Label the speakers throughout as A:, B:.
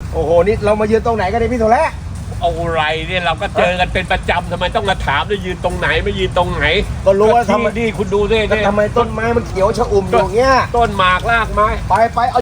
A: โอ้โหนี่เรามายืนตรงไหนกันเนี่ยพี่โถและ
B: เอาไรเนี่ยเราก็เจอกันเป็นประจำทำไมต้องมาถามด้วยยืนตรงไหนไม่ยืนตรงไหน
A: ก็รู้ว่าทำไม
B: นี่คุณดูด้วยเนี่ย
A: ทำไมต้นไม้มันเขียวชอุ่มอยู่เงี้ย
B: ต้นหมากรากไม้
A: ไปเอา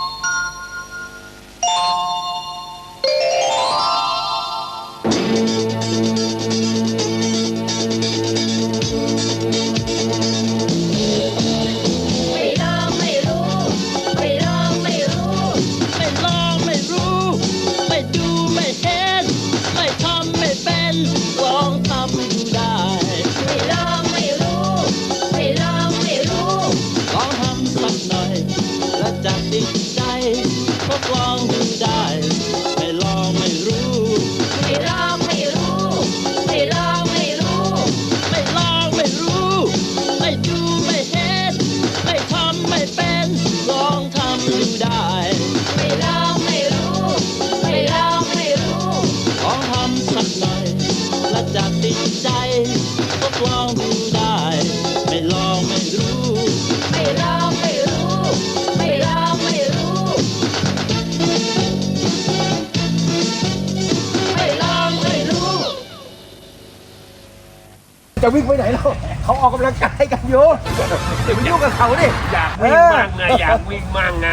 A: จะวิ่งไปไหนแล้วเขาออกกำลังกายกันอยู่เดี๋ยวไปยุ่งกับเขาดิ
B: อยากวิ่งมั่งไงอยากวิ่งมั่งไง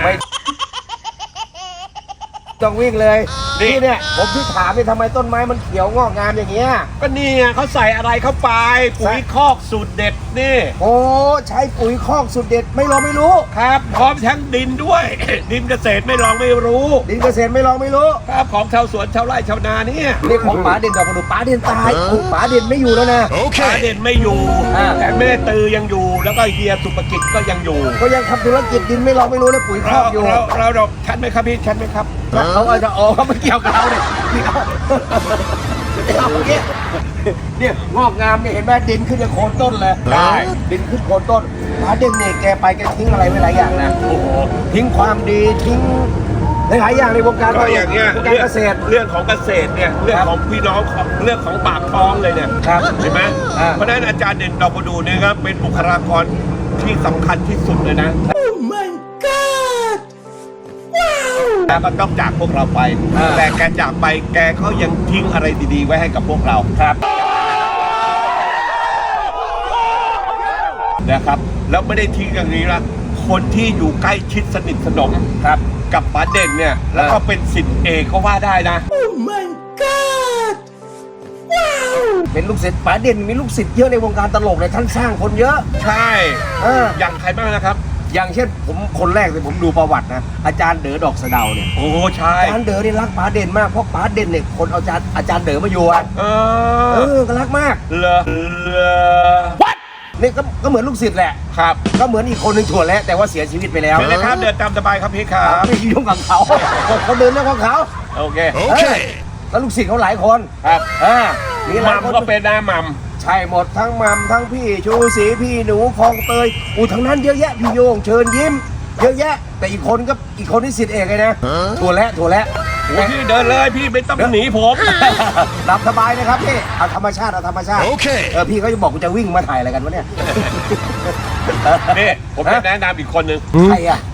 A: ต้องวิ่งเลยนี่เนี่ยผมที่ถามเนี่ยทำไมต้นไม้มันเขียวงอกงามอย่างเงี้ย
B: ก็นี่ไงเขาใส่อะไรเข้าไปปุ๋ยคอกสูตรเด็ดนี่
A: โอ้ใช้ปุ๋ยคอกสูตรเด็ดไม่ลองไม่รู้
B: ครับพร้อมทั้งดินด้วย ดินเกษตรไม่ลองไม่รู้
A: ดินเกษตรไม่ลองไม่รู้
B: ครับของชาวสวนชาวไร่ชาวนาเนี่ย
A: เรื่องของป๋าเด่นดอกกระดูป๋าเด่นตายป๋าเด่นไม่อยู่แล้วนะ
B: ป๋าเด่นไม่อยู่แต่แม่ตือยังอยู่แล้วก็เฮียสุภกิจก็ยังอยู่
A: ก็ยังทำธุรกิจดินไม่ลองไม่รู้นะปุ๋ยคอกอยู่
B: เราชัดไหมครับพี่ชัดไหมครับ
A: เขาอาจจะเขาไม่เกี่ยวกับเราเนี่ยพี่เขาเนี่ยงอกงามเนี่ยเห็นไหมดินขึ้นจากโคนต้นเลย
B: ได้
A: ดินขึ้นโคนต้นป๋าเด่นเนี่ยแกไปแกทิ้งอะไรไว้หลายอย่างนะ
B: โอ้โห
A: ทิ้งความดีทิ้งหลายอย่างในวงการ
B: อย่างเงี้ย
A: เกษตร
B: เรื่องของเกษตรเนี่ยเรื่องของพี่น้องเรื่องของปากท้องเลยเนี่ยเห็นไหมเพราะฉะนั้นอาจารย์เด่นดอกประดูเนี่ยครับเป็นบุคลากรที่สำคัญที่สุดเลยนะ
A: Oh my god
B: แล้วก็ต้องจากพวกเราไปแต่แกจากไปแกก็ยังทิ้งอะไรดีๆไว้ให้กับพวกเรา
A: ครับ
B: นะครับแล้วไม่ได้ทิ้งอย่างนี้ละคนที่อยู่ใกล้ชิดสนิทสนม
A: ครับ
B: กับป๋าเด่นเนี่ยแล้วก็เป็นศิษย์เอกก็ว่าได้นะ
A: Oh my god เป็นลูกศิษย์ป๋าเด่นมีลูกศิษย์เยอะในวงการตลกเลยท่านสร้างคนเยอะ
B: ใช่อย่างใครบ้างนะครับ
A: อย่างเช่นผมคนแรกเลยผมดูประวัตินะอาจารย์เด๋อดอกสะเดาเนี่ย
B: โอ้ใช่
A: อาจารย์เด๋อนี่รักป๋าเด่นมากเพราะป๋าเด่นเนี่ยคนเอาอาจารย์เด๋อมาอยู่อ่ะก็รักมาก
B: เหรอ
A: What นี่ก็เหมือนลูกศิษย์แหละ
B: ครับ
A: ก็เหมือนอีกคนหนึ่งถั่วแล้วแต่ว่าเสียชีวิตไปแล้ว
B: นะครับเดินตามสบายครับพี่ครับ
A: ไม่ยุ่งกับเขาเขาเดินเรื่องของเขา
B: โอเค
A: แล้วลูกศิษย์เขาหลายคน
B: ครับ
A: นี่
B: มัมก็เป็นนะมัม
A: ใช่หมดทั้งมัมทั้งพี่ชูศรีพี่หนูคลองเตยทั้งนั้นเยอะแยะพี่โยงเชิญยิ้มเยอะแยะแต่อีกคนที่ศิษย์เอกเลยนะถั่วแล้ว
B: พี่เดินเลยพี่ไม่ต้องหนีผม
A: หลับสบายนะครับพี่เอาธรรมชาติโอเคพี่เขาจะบอกกูจะวิ่งมาถ่ายอะไรกันวะเนี่ย
B: นี่ผมจะแนะนำอีกคนนึง
A: ใครอ่ะ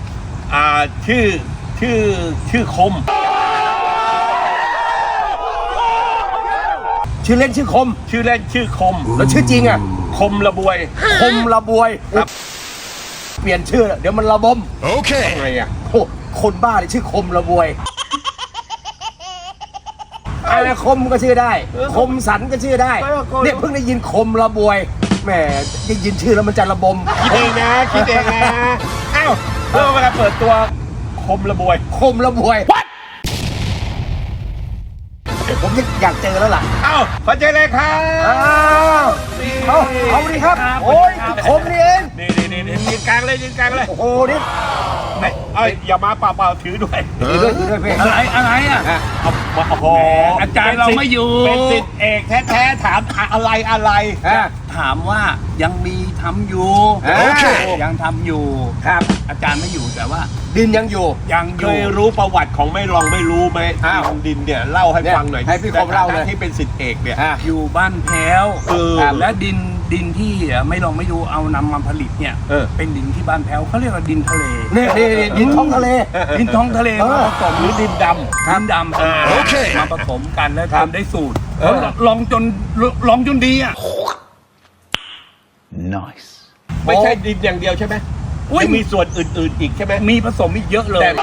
B: ชื่อคม
A: ชื่อเล่นชื่อคมแล้วชื่อจริงอ่ะ
B: คมระบวย
A: ครับเปลี่ยนชื่อเดี๋ยวมันระบม
B: โอเคไงอ่ะ
A: คนบ้าเลยชื่อคมระบวยอะไรคมก็ชื่อได้คมสันก็ชื่อได้เนี่ยเพิ่งได้ยินคมระบวยแหมได้ยินชื่อแล้วมันจะระบม
B: คิดเองนะอ้าวเวลาเปิดตัวคมระบวย
A: ผมอยากเจอแล้วล่ะ
B: ขอเจอเลยครับ
A: เอาดิครับโอ้ยคมนี่เอง
B: นี่ยืนกลางเลย
A: โอ้โหนี่
B: อย่ามาเปล่าถือด้วย
A: พี่อะไรอ่ะ
B: โอ้โห
C: อาจารย์เราไม่อยู่
B: เป็นศิษย์เอกแท้ๆถามอะไร
C: ถามว่ายังมีทำอยู่ยังทำอยู่
A: ครับ
C: อาจารย์ไม่อยู่แต่ว่า
A: ดินยังอยู่
B: เคยรู้ประวัติของไม่รู้ไหมดินเนี่ยเล่าให้ฟังหน่อย
A: ให้พี่คมเล่าเลย
B: ที่เป็นศิษย์เอกเนี่ย
C: อยู่บ้านแพ้วและดินดินที่ไม่ลองไม่ดูเอานำมาผลิตเนี่ย เป็นดินที่บ้านแพ้วเขาเรียกว่าดินทะเล
A: นี่ดินท้องทะเล
C: ดินท้องทะเลมาผสม
B: หรือดินด
C: ดินดำ
B: โอเค
C: มาผสมกันแล้วทำได้สูตรลองจนดีอ่ะ
B: ำไม่ใช่ดินอย่างเดียวใช่ไหม
C: อุ๊ย
B: ยังมีส่วนอื่นๆอีกใช่ไหม
C: มีผสมอีกเยอะเลย
B: แต่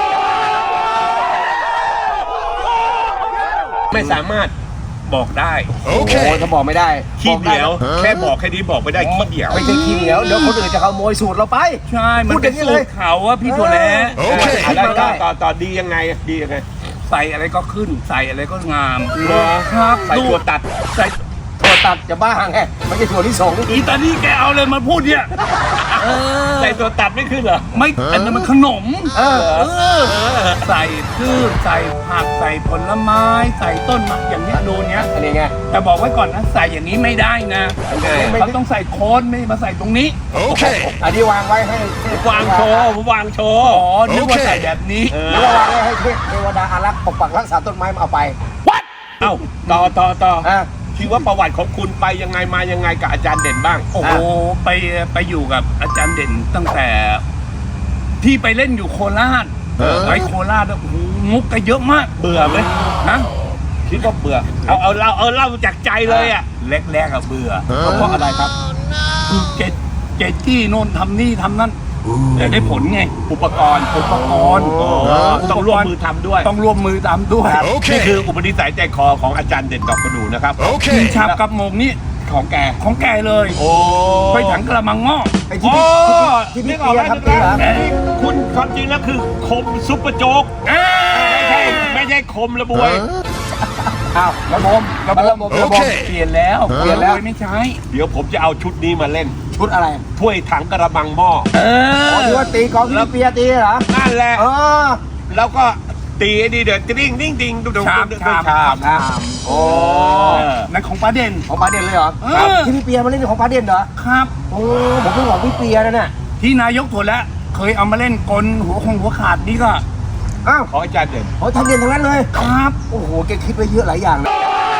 B: ไม่สามารถ
C: บอกได้
A: โอ้ถ้าบอกไม่ได้
B: ขี้เหนียว
A: บอกได้
B: แค่บอกแค่นี้บอกไม่ได้ขี้เหนียว
A: ไม่ใช่ขี้เหนียวเดี๋ยวคนอื่นจะขโมยสูตรเราไป
C: ใช่ มันเป็น
A: พูดอย่างนี้
C: สู
A: เล
C: ต
A: ย
C: รเขาอะพี่ถั่วแล้
A: โอเค
B: ได้ต่อดียังไงดียังไง
C: ใส่อะไรก็ขึ้น ใส่อะไรก็งาม
B: เหรอ
C: ครับ
B: ใส่ถั่วตัด
C: ใส่
A: ถั่วตัดจะบ้าไงไม่ใช่ถั่วที่สง
C: อีตานี่แกเอาเลยมาพูดเนี่ยเออ
B: ใส่ถั่วตัดไม่ขึ้นเหรอ
C: ไม่อันนั้นมันขนม
A: เออ
C: ใส่พืชใส่ผักใส่ผลไม้ ใส่ต้นไม้อย่างเนี้ยดูเนี้ย
A: อันนี้ไง
C: แต่บอกไว้ก่อนนะใส่อย่างนี้ไม่ได้นะ
B: ยังไง
C: เขาต้องใส่โคนไม่มาใส่ตรงนี้
A: อันนี้วางไว้ให้
B: วางโชว์ผมวางโชว์
C: อ๋อนึกว่าใส่แบบนี้
A: หรือว่าวางไว้ให้เทวดาอารักษ์ปกปักรักษาต้นไม้มาเอาไป
B: เอ้าต่อ
A: อ่ะ
B: คิดว่าประวัติของคุณไปยังไงมายังไงกับอาจารย์เด่นบ้าง
C: โอ้โหไปอยู่กับอาจารย์เด่นตั้งแต่ ที่ไปเล่นอยู่โคราชไปโคราชแล้วโอ้โหมุกก็เยอะมาก
B: เบื่อไหม
C: นะ
B: คิดว่าเบื่อเอาเล่าจากใจเลยอ่ะ
C: แรกๆอะเบื่อ
B: เพราะอะไรครับ
C: คือเจจี้โน่นทำนี่ทำนั่นแต่ได้ผลไง
B: อุปกรณ์ ต้องร่วมมือทำด้วย
C: ต้องร่วมมือตามด้วย
B: นี่คืออุปนิสัยใจคอของอาจารย์เด่นดอกประดูนะครับ
C: กินชาบกับโมงนี่
B: ของแก
C: ของแกเลย
B: โอ้
C: ไปถังกระมังงอก
A: ไอ้ที่
B: โอ้
A: ที่
B: นึ
A: พี่
B: กออก
A: เปีย
B: แล้ว
A: ทำเปียเหรอ
B: นี่คุณความจริงแล้วคือคมซุปเปอร์โจ๊กไม่ใช่คมระบวย
A: อ้าวระบบ
C: เปลี่ยนแล้ว
A: เปลี่ยนแล้ว
C: ไม่ใช้
B: เดี๋ยวผมจะเอาชุดนี้มาเล่น
A: ชุดอะไร
B: ถ้วยถังกระมังหม้อ
A: อ๋อที่ว่าตีกองที่พี่เปียตีเหรอ
B: นั่นแหละ
A: เออ
B: แล้วก็ตีไอ้นี่เดือดติ้งดิ้งดิ้งดุ
C: ชาม
A: โอ้
C: นั่นของป้าเด่น
A: ของปลาเด่นเลยเหรอ
C: เออ
A: ที่พี่เปียมาเล่นของปลาเด่นเหรอ
C: ครับ
A: โอ้ผมเพิ่งบอกพี่เปียนั่นน่ะ
C: ที่นายกถั่วแล้วเคยเอามาเล่นกลหัวขาดนี่ก็
A: อ้าว
B: ของอาจารย์เด่น
A: โอ้ทำเด่นทั้งนั้นเลย
C: ครับ
A: โอ้โหแกคิดไว้เยอะหลายอย่างนะ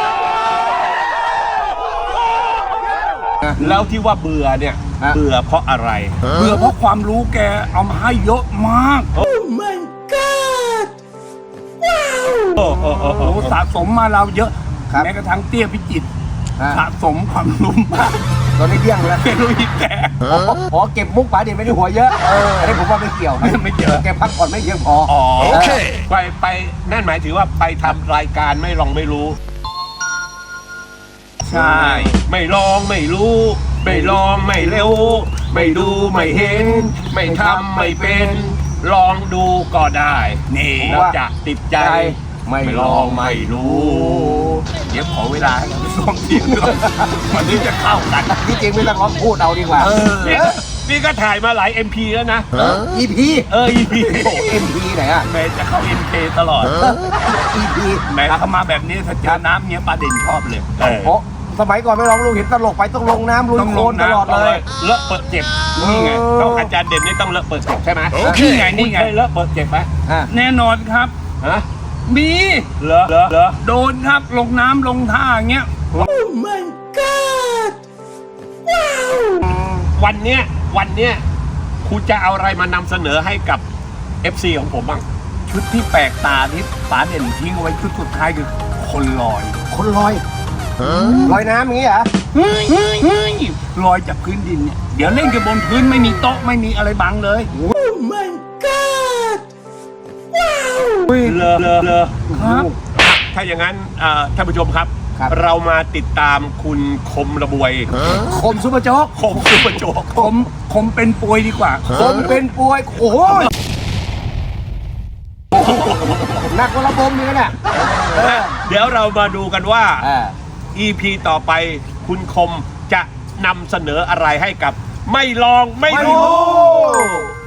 B: แล้วที่ว่าเบื่อเนี่ย เบื่อเพราะอะไร
C: เบื่อเพราะความรู้แกเอามาให้เยอะมาก
B: โอ้
C: โอ้สะสมมาเราเยอะ แม้กระทั่งเตี้ยพิจิตรสะสมความรู้มาก
A: ตอนนี้เดี้ยงแล้ว
C: แกรู้อีกแก
A: อ๋อเก็บมุกปลาเด่นไม่ได้หัวเยอะอันนี้ผมว่าไม่เกี่ยว
C: ไม่เกี่ยว
A: แกพักผ่อนไม่เยอะพอ
C: อ๋อ
B: ไปนั่นหมายถึงว่าไปทำรายการไม่ลองไม่รู้
C: ใช่
B: ไม่ลองไม่รู้ ไม่ลองไม่เร็ว ไม่ดูไม่เห็น ไม่ทำไม่เป็น ลองดูก็ได้
C: นี่
B: แล้วจะติดใจ
A: ไม่
B: ไม่
A: ล
B: ล
A: อ
B: อง งไม่รู้
C: เดี๋ยวขอเวลาให้เราไปซ้อมเสียงด้วยมันถึงจะเข้ากัน
A: ที่จริงไม่ต้องร้องพูดเอาดีกว่า
B: นี่ก็ถ่ายมาหลาย MP แล้วนะ
A: EP
B: EP
A: โอ้ MP ไหนอ่ะ
C: แม่จะเข้า MK ตลอด
A: EP
C: แม่เข้ามาแบบนี้ถ้าเจอน้ำเนี้ยปลาเด่นชอบเลย
A: โอ้สมัยก่อนไม่ร้องลูกเห็นตลกไปต้องลงน้ำลุย
C: ต้อง
A: โค
C: ล
A: ล
C: ง
A: น
C: น้ำ
A: ตลอดเลย
B: เลอะเปิดเจ็บ
C: นี่ไง
B: ต้องอาจารย์เด่นนี่ต้องเลอะเปิดเจ็บใช่ไหม
C: นี่ไงนี่ไง
B: เคยเลอะเปิดเจ็บไหม
C: แน่นอนครับ
B: ฮะ
C: มี
B: เหรอ
C: โดนครับลงน้ำลงท่าอย่างเงี้ย
B: วันเนี้ยคุณจะเอาอะไรมานำเสนอให้กับ FC ของผมบ้าง
C: ชุดที่แปลกตาที่ป๋าเด่นทิ้งเอาไว้ชุดสุดท้ายคือคนลอย
A: คนลอยลอยน้ำอย่างนี้เหรอ
C: เฮ้ยลอยจากพื้นดินเนี่ยเดี๋ยวเล่นกันบนพื้นไม่มีโต๊ะไม่มีอะไรบังเลย
B: เลอ
C: ครับ
B: ถ้าอย่างนั้นท่านผู้ชมครับ
A: ครับ
B: เรามาติดตามคุณคมระบวย
A: คมซุปเปอร์โจ๊ก
B: คมซุปเปอร์โจ๊ก
C: ผมเป็นป่วยดีกว่า
A: คมเป็นป่วยโอ้โหหนักกว่าระบมนี่เนี่ย
B: เดี๋ยวเรามาดูกันว่า
A: อ่า
B: EP ต่อไปคุณคมจะนำเสนออะไรให้กับ ไม่ลองไม่รู้